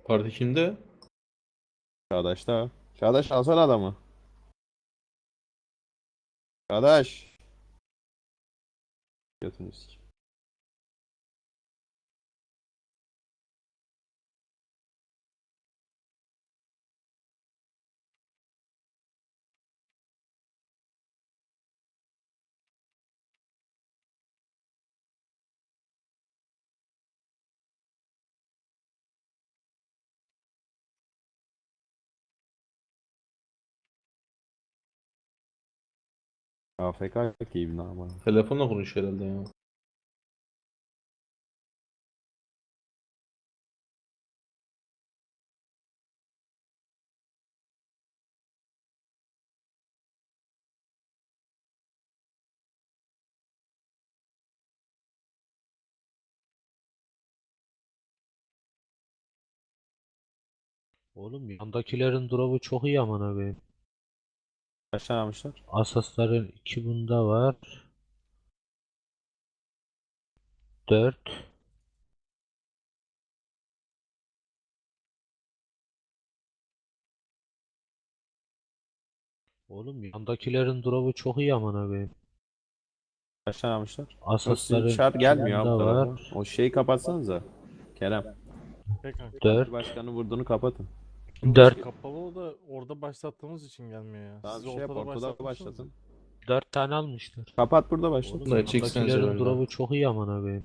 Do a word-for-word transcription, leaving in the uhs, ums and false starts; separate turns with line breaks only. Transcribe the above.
Parti kimde?
Çağdaş da. Çağdaş alsana adamı. Çağdaş. Götünü sikeyim. A F K gibi ama.
Telefonla konuşuyor herhalde ya.
Oğlum yandakilerin drop'u çok iyi aman abi.
Kaç tane almışlar?
Asasların iki bunda var. Dört. Oğlum yandakilerin drop'u çok iyi aman abi.
Kaç tane almışlar? Yok sizin
Asasların
çağır
iki
gelmiyor abi bu
bunda var.
tarafa. O şeyi kapatsanıza. Kerem.
He kanka.
Dört.
Başkanı vurduğunu kapatın.
Yo,
Dört.
kapalı o da orada başlattığımız için gelmiyor ya.
Tamam
Siz
bir şey yap
ortada
ortada
başlatmışsınız.
başlatın.
Dört tane almışlar.
Kapat burada başlat.
Oğlum
Bunları çeksenize
yandakilerin
böyle.
drop'u çok iyi aman abi.